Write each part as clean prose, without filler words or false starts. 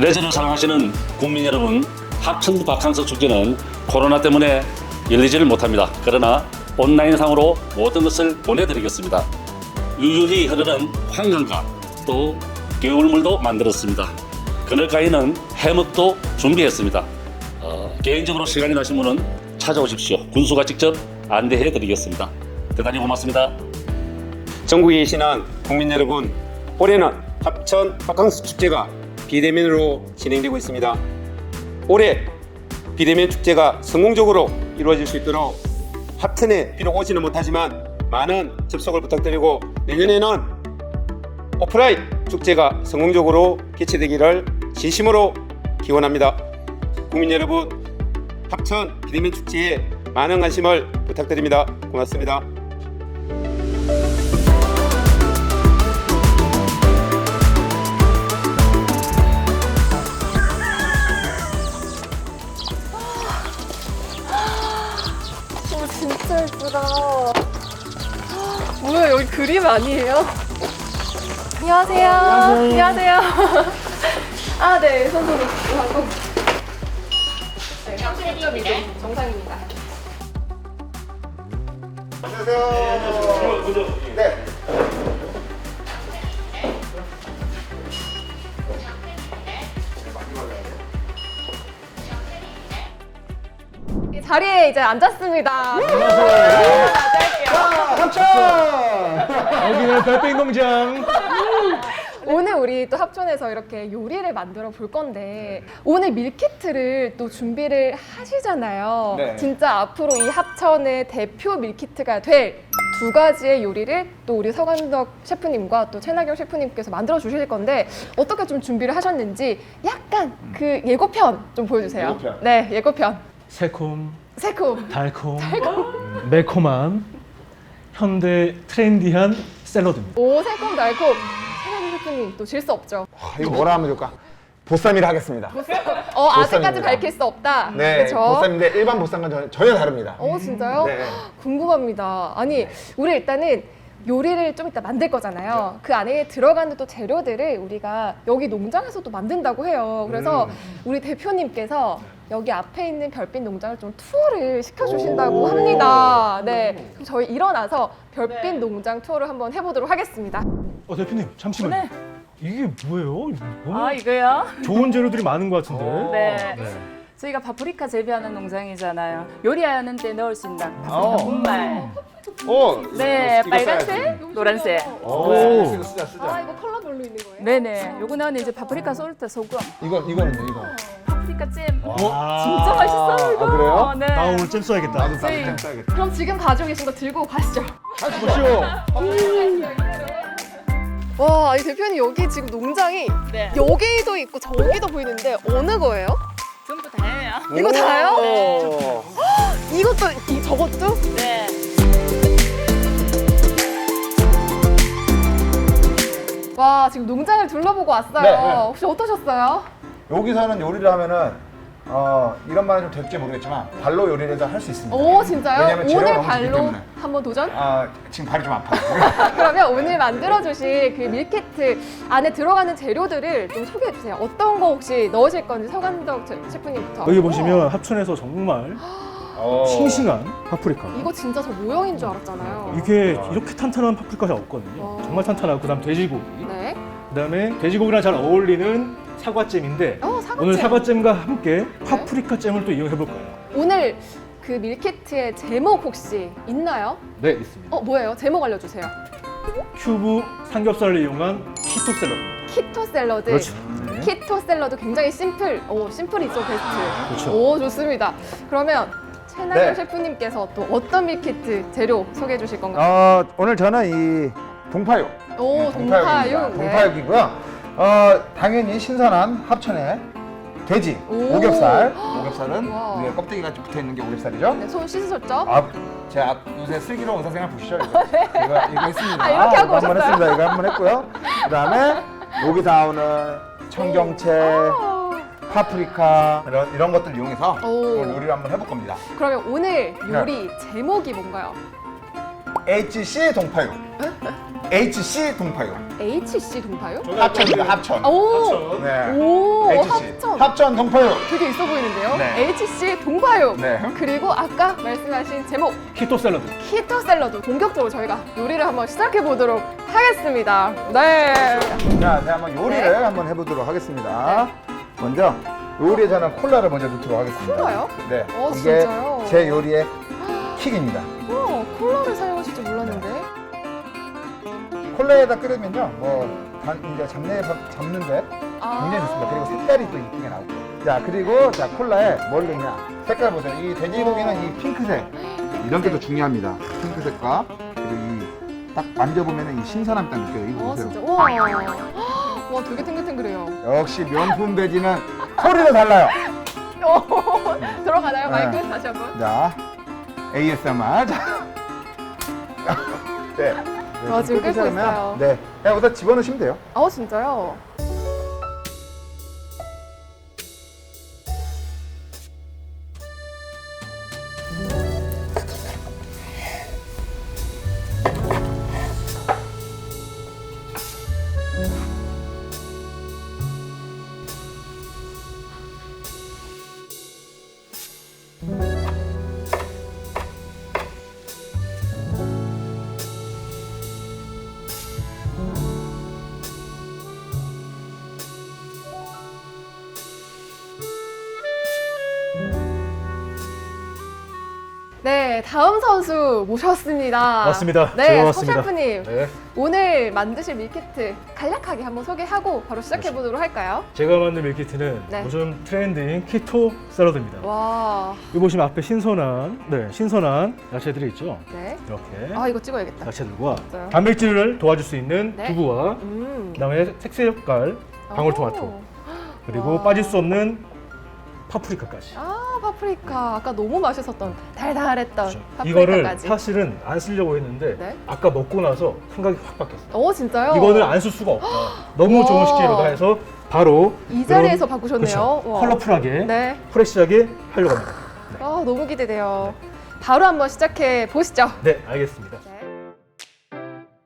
레저를 사랑하시는 국민 여러분, 합천 바캉스 축제는 코로나 때문에 열리지를 못합니다. 그러나 온라인상으로 모든 것을 보내드리겠습니다. 유유히 흐르는 황금과 또 겨울물도 만들었습니다. 그늘가에는 해먹도 준비했습니다. 개인적으로 시간이 나신 분은 찾아오십시오. 군수가 직접 안내해드리겠습니다. 대단히 고맙습니다. 전국에 계시는 국민 여러분, 올해는 합천 바캉스 축제가 비대면으로 진행되고 있습니다. 올해 비대면 축제가 성공적으로 이루어질 수 있도록 합천에 비록 오지는 못하지만 많은 접속을 부탁드리고 내년에는 오프라인 축제가 성공적으로 개최되기를 진심으로 기원합니다. 국민 여러분, 합천 비대면 축제에 많은 관심을 부탁드립니다. 고맙습니다. 진짜 예쁘다. 뭐야, 여기 그림 아니에요? 안녕하세요. 안녕하세요. 아, 네, 손으로 하고. 네, 36.2도 정상입니다. 안녕하세요. 네. 자리에 이제 앉았습니다. 여기는 별빛 농장. 오늘 우리 또 합천에서 이렇게 요리를 만들어 볼 건데 오늘 밀키트를 또 준비를 하시잖아요. 네. 진짜 앞으로 이 합천의 대표 밀키트가 될 두 가지의 요리를 또 우리 서간덕 셰프님과 또 최나경 셰프님께서 만들어 주실 건데 어떻게 좀 준비를 하셨는지 약간 그 예고편 좀 보여주세요. 예고편. 네, 예고편. 새콤, 새콤. 달콤, 매콤한 현대 트렌디한 샐러드입니다. 오, 새콤 달콤. 최나경 셰프님 또 질 수 없죠. 이거 뭐라 하면 좋을까? 보쌈이라 하겠습니다. 아직까지 보쌈입니다. 밝힐 수 없다. 네, 그렇죠? 보쌈인데 일반 보쌈과 전혀 다릅니다. 진짜요? 네. 궁금합니다. 아니, 우리 일단은 요리를 좀 이따 만들 거잖아요. 그 안에 들어가는 또 재료들을 우리가 여기 농장에서도 만든다고 해요. 그래서 우리 대표님께서 여기 앞에 있는 별빛 농장을 좀 투어를 시켜주신다고 합니다. 네, 그럼 저희 일어나서 별빛 농장 투어를 한번 해보도록 하겠습니다. 대표님 잠시만요. 이게 뭐예요? 너무 이거요? 좋은 재료들이 많은 것 같은데. 네. 저희가 파프리카 재배하는 농장이잖아요. 요리하는 때 넣을 수 있는 파프리카 분말. 오, 네, 이거 빨간색, 노란색. 오. 쓰자. 이거 컬러별로 있는 거예요? 네네. 요거는 이제 파프리카 솔트 소금, 이거는요, 이거. 파프리카 잼. 와. 진짜 맛있어요, 이거. 그래요? 네. 나 오늘 잼 써야겠다. 나도 저희- 땀 써야겠다. 그럼 지금 가지고 계신 거 들고 가시죠. 보시오. 와, 이 대표님 여기 지금 농장이 네. 여기도 있고 저기도 보이는데 어느 거예요? 전부 다예요. 이거 다요? 오. 이것도, 저것도? 네. 와, 지금 농장을 둘러보고 왔어요. 네. 혹시 어떠셨어요? 여기서는 요리를 하면은 이런 말은 좀 될지 모르겠지만 발로 요리를 할 수 있습니다. 오, 진짜요? 왜냐면 재료가 오늘 너무 좋기 발로 때문에. 한번 도전? 지금 발이 좀 아파요. 그러면 오늘 만들어주실 그 밀키트 안에 들어가는 재료들을 좀 소개해주세요. 어떤 거 혹시 넣으실 건지 서간덕 셰프님부터. 여기 보시면 합천에서 정말 싱싱한 파프리카. 이거 진짜 저 모형인 줄 알았잖아요. 이게 이렇게 탄탄한 파프리카가 없거든요. 정말 탄탄하고 그다음 돼지고기. 네. 그다음에 돼지고기랑 잘 어울리는 사과잼인데 사과잼. 오늘 사과잼과 함께 파프리카 잼을 또 이용해 볼 거예요. 오늘 그 밀키트의 제목 혹시 있나요? 네, 있습니다. 뭐예요? 제목 알려주세요. 큐브 삼겹살을 이용한 키토 샐러드. 키토 샐러드. 그렇죠. 네. 키토 샐러드 굉장히 심플이 있어 베스트. 그렇죠. 오, 좋습니다. 그러면 최나경 네. 셰프님께서 또 어떤 밀키트 재료 소개해 주실 건가요? 오늘 저는 이 동파육. 오, 동파육. 네. 동파육이고요. 당연히 신선한 합천의 돼지 오. 오겹살은 와. 위에 껍데기가 좀 붙어 있는 게 오겹살이죠. 네, 손 씻으셨죠? 제가 요새 슬기로운 의사생활 보시죠. 이거 했습니다. 이렇게 하고 이거 한번 오셨어요? 했습니다. 이거 한번 했고요. 그다음에 여기 나오는 청경채, 파프리카 이런 것들 이용해서 오. 오늘 요리를 한번 해볼 겁니다. 그러면 오늘 요리 제목이 뭔가요? HC 동파육. HC 동파육. HC 동파요? 합천입니다. 합천. 오, 네. 오, HC. 합천. 합천 동파육. 되게 있어 보이는데요. 네. HC 동파육. 네. 그리고 아까 말씀하신 제목 키토 샐러드. 키토 샐러드. 본격적으로 저희가 요리를 한번 시작해 보도록 하겠습니다. 네. 자, 이제 한번 요리를 네. 한번 해보도록 하겠습니다. 먼저 요리에 저는 콜라를 먼저 넣도록 하겠습니다. 콜라요? 네. 진짜요? 이게 제 요리의 킥입니다. 콜라를 사용하실 줄 몰랐는데. 콜라에다 끓이면요, 이제 잡는데 굉장히 좋습니다. 그리고 색깔이 또 이쁘게 나오고. 자, 그리고 자 콜라에 뭘 넣냐? 색깔 보세요. 이 돼지고기는 이 핑크색 이런 게 더 중요합니다. 핑크색과 그리고 이 딱 만져보면 이 신선함이 딱 느껴요. 이거 보세요. 진짜. 와. 와, 되게 탱글탱글해요. 역시 명품 돼지는 소리도 달라요. 들어가나요? 네. 마이크 다시 한번. 자, ASMR. 자. 네. 아, 지금 끓고 끓이시면, 있어요. 네. 그냥 여기다 집어넣으시면 돼요. 진짜요? 네, 다음 선수 모셨습니다. 맞습니다. 네, 제가 서 왔습니다. 셰프님. 네. 오늘 만드실 밀키트 간략하게 한번 소개하고 바로 시작해 보도록 할까요? 제가 만든 밀키트는 네. 요즘 트렌드인 키토 샐러드입니다. 와, 여기 보시면 앞에 신선한 야채들이 있죠. 네. 이렇게 이거 찍어야겠다. 야채들과 맞아요. 단백질을 도와줄 수 있는 네. 두부와 그다음에 색색깔 방울토마토 그리고 와. 빠질 수 없는 파프리카까지. 파프리카. 아까 너무 맛있었던 달달했던 그렇죠. 파프리카까지. 이거를 사실은 안 쓰려고 했는데 네. 아까 먹고 나서 생각이 확 바뀌었어요. 진짜요? 이거는 안 쓸 수가 없다. 너무 와. 좋은 식재료다 해서 바로 이 자리에서 이런- 바꾸셨네요. 그렇죠. 와. 컬러풀하게 네. 프레시하게 하려고 합니다. 너무 기대돼요. 바로 한번 시작해 보시죠. 네, 알겠습니다. 네.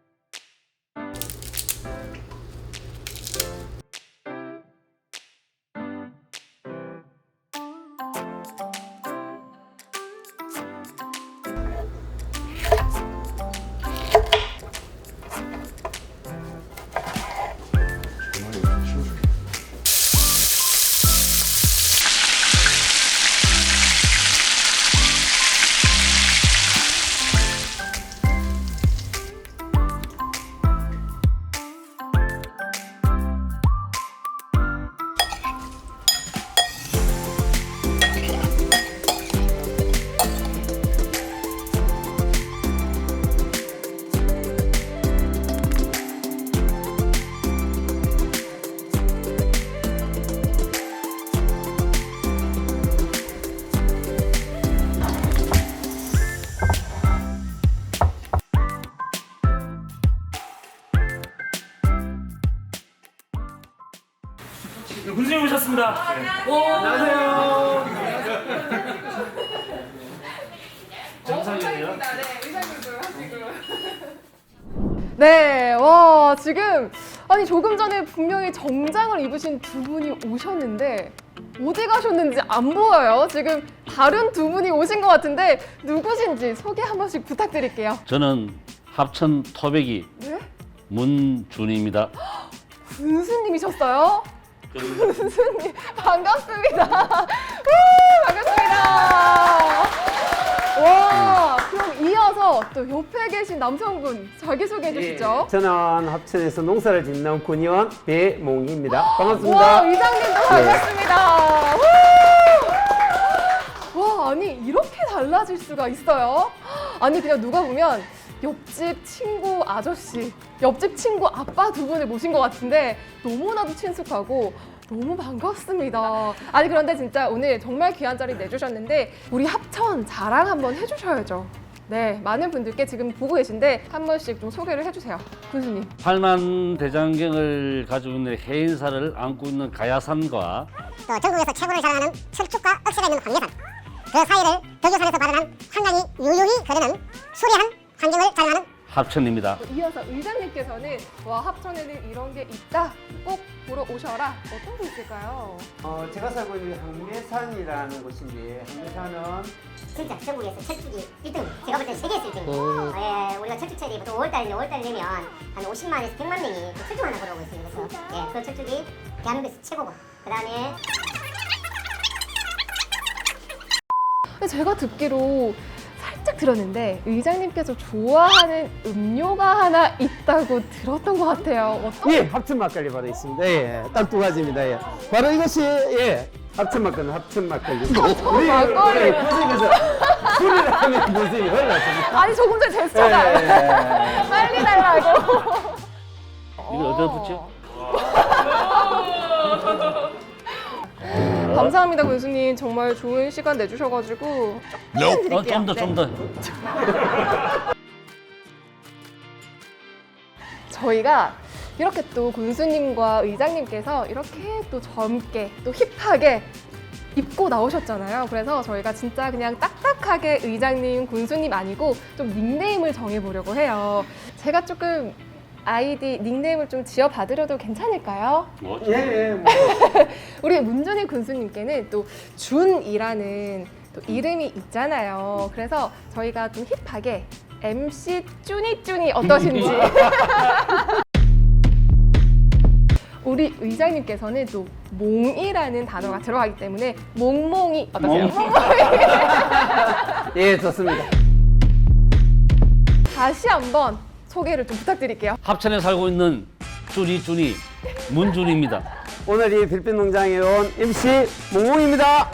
군수님 오셨습니다. 정상이에요? 네, 와, 지금, 조금 전에 분명히 정장을 입으신 두 분이 오셨는데, 어디 가셨는지 안 보여요. 지금 다른 두 분이 오신 것 같은데, 누구신지 소개 한 번씩 부탁드릴게요. 저는 합천 토백이 네? 문준입니다. 군수님이셨어요? 군수님, 반갑습니다. 우, 반갑습니다. 와, 그럼 이어서 또 옆에 계신 남성분 자기소개해 주시죠. 저는 합천에서 농사를 짓는 군의원 배몽희입니다. 반갑습니다. 와, 이장님도 반갑습니다. 와, 아니 이렇게 달라질 수가 있어요? 아니 그냥 누가 보면 옆집 친구 아저씨, 옆집 친구 아빠 두 분을 모신 것 같은데 너무나도 친숙하고 너무 반갑습니다. 아니 그런데 진짜 오늘 정말 귀한 자리 내주셨는데 우리 합천 자랑 한번 해주셔야죠. 네, 많은 분들께 지금 보고 계신데 한 번씩 좀 소개를 해주세요. 군수님. 팔만대장경을 가지고 있는 해인사를 안고 있는 가야산과 또 전국에서 최고를 자랑하는 철쭉과 억새가 있는 황예산, 그 사이를 덕유산에서 발현한 한강이 유유히 흐르는 수려한 환경을 자랑하는 합천입니다. 이어서 의장님께서는 와 합천에는 이런 게 있다 꼭 보러 오셔라 어떤 게 있을까요? 제가 살고 있는 항매산이라는 곳인데 항매산은 진짜 전국에서 철쭉이 1등. 제가 볼 때는 세계에서 1등이에요. 예, 우리가 철쭉철이 보통 5월달 되면 한 50만에서 100만 명이 그 철쭉 하나 보러 오고 있습니다. 그래서 예, 그 철쭉이 대한민국에서 최고고. 그다음에 근데 제가 듣기로 살짝 들었는데 의장님께서 좋아하는 음료가 하나 있다고 들었던 것 같아요. 어떤? 예, 합천 막걸리 바로 있습니다. 예, 딱 두 가지입니다. 예. 바로 이것이 예, 합천 막걸리, 합천 막걸리. 우리 막걸리. 구석에서 술을 하면 모습이 흘렀습니다. 아니 조금 전에 제스처가 예. 빨리 달라고. 이걸 어디다 붙여? 감사합니다 군수님 정말 좋은 시간 내주셔가지고 조금 드릴게요. 좀 더. 저희가 이렇게 또 군수님과 의장님께서 이렇게 또 젊게 또 힙하게 입고 나오셨잖아요. 그래서 저희가 진짜 그냥 딱딱하게 의장님, 군수님 아니고 좀 닉네임을 정해보려고 해요. 제가 조금 아이디 닉네임을 좀 지어받으려도 괜찮을까요? 예, 예. 뭐. 우리 문준희 군수님께는 또 준이라는 또 이름이 있잖아요. 그래서 저희가 좀 힙하게 MC 쭈니쭈니 어떠신지. 우리 의장님께서는 또 몽이라는 단어가 들어가기 때문에 몽몽이 어떠세요? 예, 좋습니다. 다시 한번 소개를 좀 부탁드릴게요. 합천에 살고 있는 쭈니 문준입니다. 오늘 이 별빛 농장에 온 MC 몽몽입니다.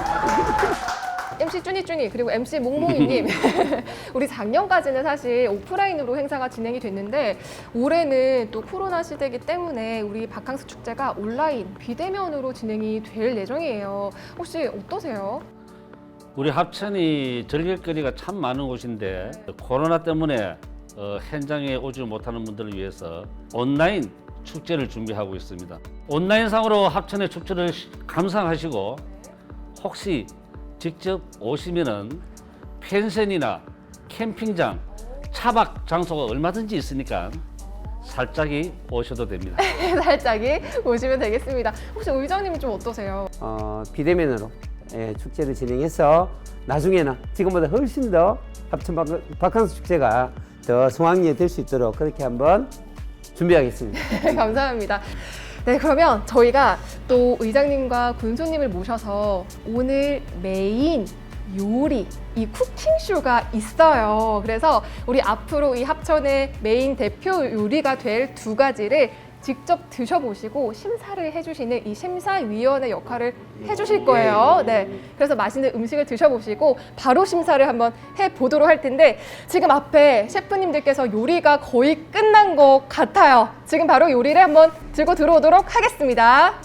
MC 쭈니쭈니 그리고 MC 몽몽이님 우리 작년까지는 사실 오프라인으로 행사가 진행이 됐는데 올해는 또 코로나 시대이기 때문에 우리 바캉스 축제가 온라인 비대면으로 진행이 될 예정이에요. 혹시 어떠세요? 우리 합천이 즐길 거리가 참 많은 곳인데 코로나 때문에 현장에 오지 못하는 분들을 위해서 온라인 축제를 준비하고 있습니다. 온라인상으로 합천의 축제를 감상하시고 혹시 직접 오시면은 펜션이나 캠핑장, 차박 장소가 얼마든지 있으니까 살짝이 오셔도 됩니다. 살짝이 오시면 되겠습니다. 혹시 의장님은 좀 어떠세요? 비대면으로 예, 축제를 진행해서 나중에는 지금보다 훨씬 더 합천 바캉스 축제가 더 성황리에 될 수 있도록 그렇게 한번 준비하겠습니다. 감사합니다. 네, 그러면 저희가 또 의장님과 군수님을 모셔서 오늘 메인 요리, 이 쿠킹쇼가 있어요. 그래서 우리 앞으로 이 합천의 메인 대표 요리가 될 두 가지를 직접 드셔보시고 심사를 해주시는 이 심사위원의 역할을 해주실 거예요. 네, 그래서 맛있는 음식을 드셔보시고 바로 심사를 한번 해보도록 할 텐데 지금 앞에 셰프님들께서 요리가 거의 끝난 것 같아요. 지금 바로 요리를 한번 들고 들어오도록 하겠습니다.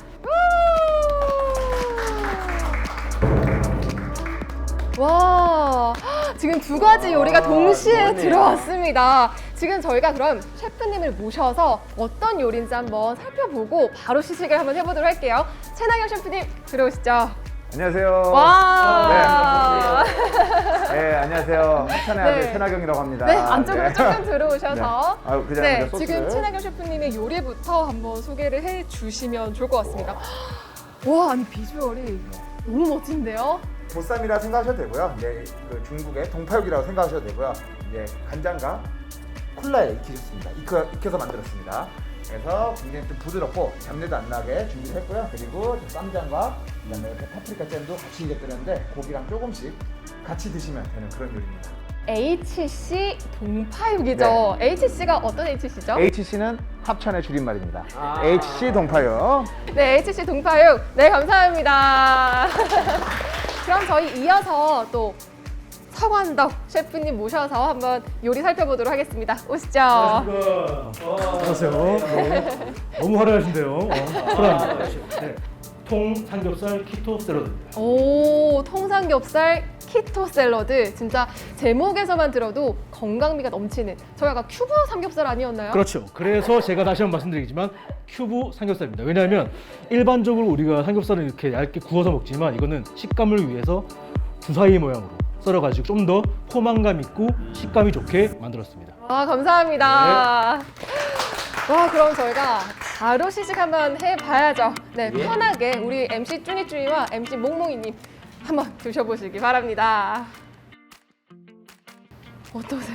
와, 지금 두 가지 요리가 동시에 들어왔습니다. 지금 저희가 그럼 셰프님을 모셔서 어떤 요리인지 한번 살펴보고 바로 시식을 한번 해보도록 할게요. 최나경 셰프님 들어오시죠. 안녕하세요. 와. 네, 안녕하세요. 합천의 아들 네. 최나경이라고 합니다. 네, 안쪽으로 네. 조금 들어오셔서 네. 아유, 그 자리에 네, 소스를. 지금 최나경 셰프님의 요리부터 한번 소개를 해주시면 좋을 것 같습니다. 와, 아니 비주얼이 너무 멋진데요? 보쌈이라 생각하셔도 되고요. 네, 그 중국의 동파육이라고 생각하셔도 되고요. 이제 간장과 콜라에 익히셨습니다. 익혀서 만들었습니다. 그래서 굉장히 좀 부드럽고 잡내도 안 나게 준비를 했고요. 그리고 쌈장과 그다음에 파프리카 잼도 같이 익혔는데 고기랑 조금씩 같이 드시면 되는 그런 요리입니다. HC 동파육이죠. HC가 어떤 HC죠? HC는 합천의 줄임말입니다. HC 동파육. 네, HC 동파육. 네, 감사합니다. 그럼 저희 이어서 또 서관덕 셰프님 모셔서 한번 요리 살펴보도록 하겠습니다. 오시죠. 안녕하세요. 네. 너무 화려하신데요. 사랑합니다. 네. 통 삼겹살 키토 샐러드입니다. 오, 통삼겹살 키토 샐러드. 진짜 제목에서만 들어도 건강미가 넘치는 저희 아까 큐브 삼겹살 아니었나요? 그렇죠. 그래서 제가 다시 한번 말씀드리지만 큐브 삼겹살입니다. 왜냐하면 일반적으로 우리가 삼겹살을 이렇게 얇게 구워서 먹지만 이거는 식감을 위해서 주사위 모양으로 썰어가지고 좀 더 포만감 있고 식감이 좋게 만들었습니다. 아, 감사합니다. 와, 그럼 저희가 바로 시식 한번 해봐야죠. 네, 편하게 우리 MC 쭈니쭈니와 MC 몽몽이님 한번 드셔보시기 바랍니다. 어떠세요?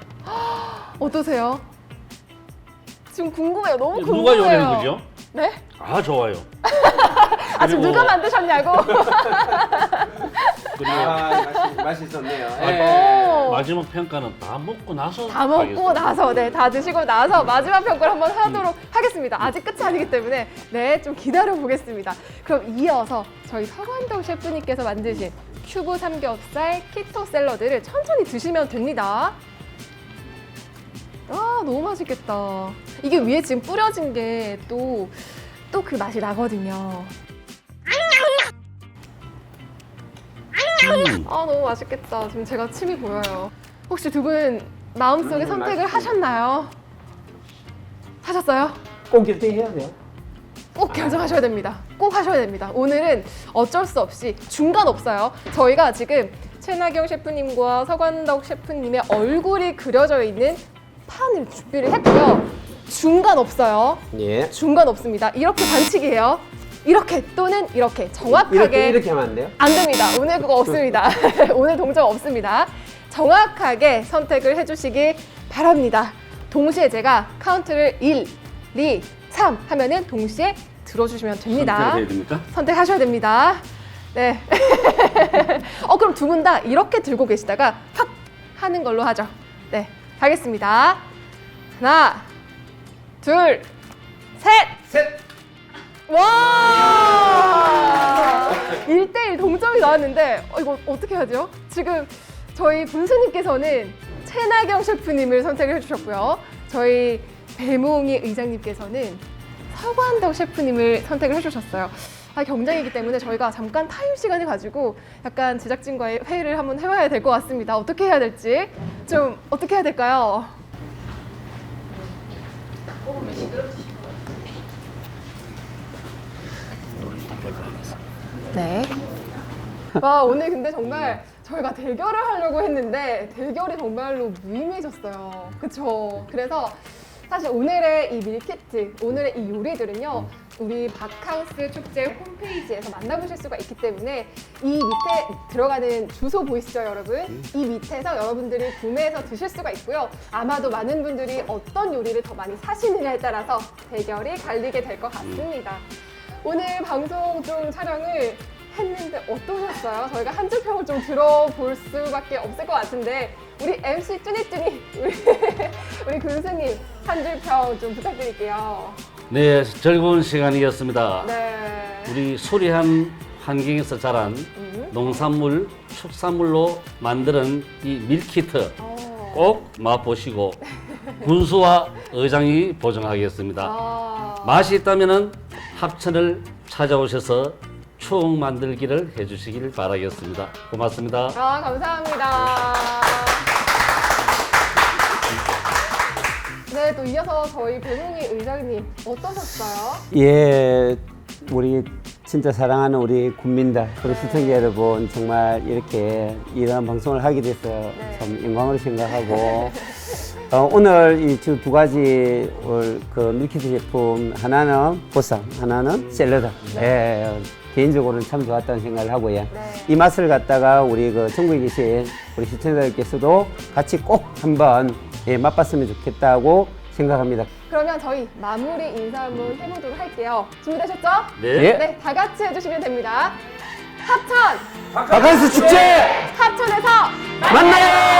어떠세요? 지금 궁금해요. 너무 궁금해요. 누가 요리한 거죠? 네? 아 좋아요. 아, 지금 누가 만드셨냐고? 그리고 맛있었네요. 오. 마지막 평가는 다 먹고 나서 다 먹고 하겠습니다. 나서, 네, 다 드시고 나서 마지막 평가를 한번 하도록 하겠습니다. 아직 끝이 아니기 때문에 네, 좀 기다려 보겠습니다. 그럼 이어서 저희 서관덕 셰프님께서 만드신 큐브 삼겹살 키토 샐러드를 천천히 드시면 됩니다. 아, 너무 맛있겠다. 이게 위에 지금 뿌려진 게 또 그 맛이 나거든요. 아, 너무 맛있겠다. 지금 제가 침이 보여요. 혹시 두 분 마음속에 선택을 하셨나요? 하셨어요? 꼭 결정해야 돼요. 꼭 결정하셔야 됩니다. 꼭 하셔야 됩니다. 오늘은 어쩔 수 없이 중간 없어요. 저희가 지금 최나경 셰프님과 서관덕 셰프님의 얼굴이 그려져 있는 판을 준비를 했고요. 중간 없어요. 예. 중간 없습니다. 이렇게 반칙이에요. 이렇게 또는 이렇게 정확하게 이렇게 하면 안 돼요? 안 됩니다. 오늘 그거 없습니다. 오늘 동점 없습니다. 정확하게 선택을 해주시기 바랍니다. 동시에 제가 카운트를 1, 2, 3 하면은 동시에 들어주시면 됩니다. 선택해야 됩니까? 선택하셔야 됩니다. 네. 그럼 두 분 다 이렇게 들고 계시다가 확 하는 걸로 하죠. 네. 가겠습니다. 하나, 둘, 셋! 와! 1대1 동점이 나왔는데 이거 어떻게 하죠? 지금 저희 군수님께서는 최나경 셰프님을 선택을 해주셨고요. 저희 배몽이 의장님께서는 서관덕 셰프님을 선택을 해주셨어요. 경쟁이기 때문에 저희가 잠깐 타임 시간을 가지고 약간 제작진과의 회의를 한번 해봐야 될 것 같습니다. 어떻게 해야 될지 좀 어떻게 해야 될까요? 네. 와, 오늘 근데 정말 저희가 대결을 하려고 했는데 대결이 정말로 무의미해졌어요. 그쵸? 그래서 사실 오늘의 이 밀키트, 오늘의 이 요리들은요, 우리 바캉스 축제 홈페이지에서 만나보실 수가 있기 때문에 이 밑에 들어가는 주소 보이시죠, 여러분? 이 밑에서 여러분들이 구매해서 드실 수가 있고요. 아마도 많은 분들이 어떤 요리를 더 많이 사시느냐에 따라서 대결이 갈리게 될 것 같습니다. 오늘 방송 좀 촬영을 했는데 어떠셨어요? 저희가 한 줄 평을 좀 들어볼 수밖에 없을 것 같은데 우리 MC 쭈니쭈니 우리 군수님 한 줄 평 좀 부탁드릴게요. 네, 즐거운 시간이었습니다. 네. 우리 수리한 환경에서 자란 농산물, 축산물로 만드는 이 밀키트 꼭 맛보시고 군수와 의장이 보증하겠습니다. 맛이 있다면 합천을 찾아오셔서 추억 만들기를 해주시길 바라겠습니다. 고맙습니다. 감사합니다. 네, 또 이어서 저희 배몽이 의장님 어떠셨어요? 예, 우리 진짜 사랑하는 우리 국민들, 우리 시청자 여러분 정말 이렇게 이런 방송을 하게 돼서 참 영광으로 생각하고 오늘 이 두 가지 그 밀키트 제품 하나는 보쌈, 하나는 샐러드. 예, 개인적으로는 참 좋았다는 생각을 하고요. 이 맛을 갖다가 우리 그 전국에 계신 우리 시청자들께서도 같이 꼭 한번 맛봤으면 좋겠다고 생각합니다. 그러면 저희 마무리 인사 한번 해보도록 할게요. 준비되셨죠? 네. 네, 다 같이 해주시면 됩니다. 합천! 바캉스 축제 합천에서 만나요!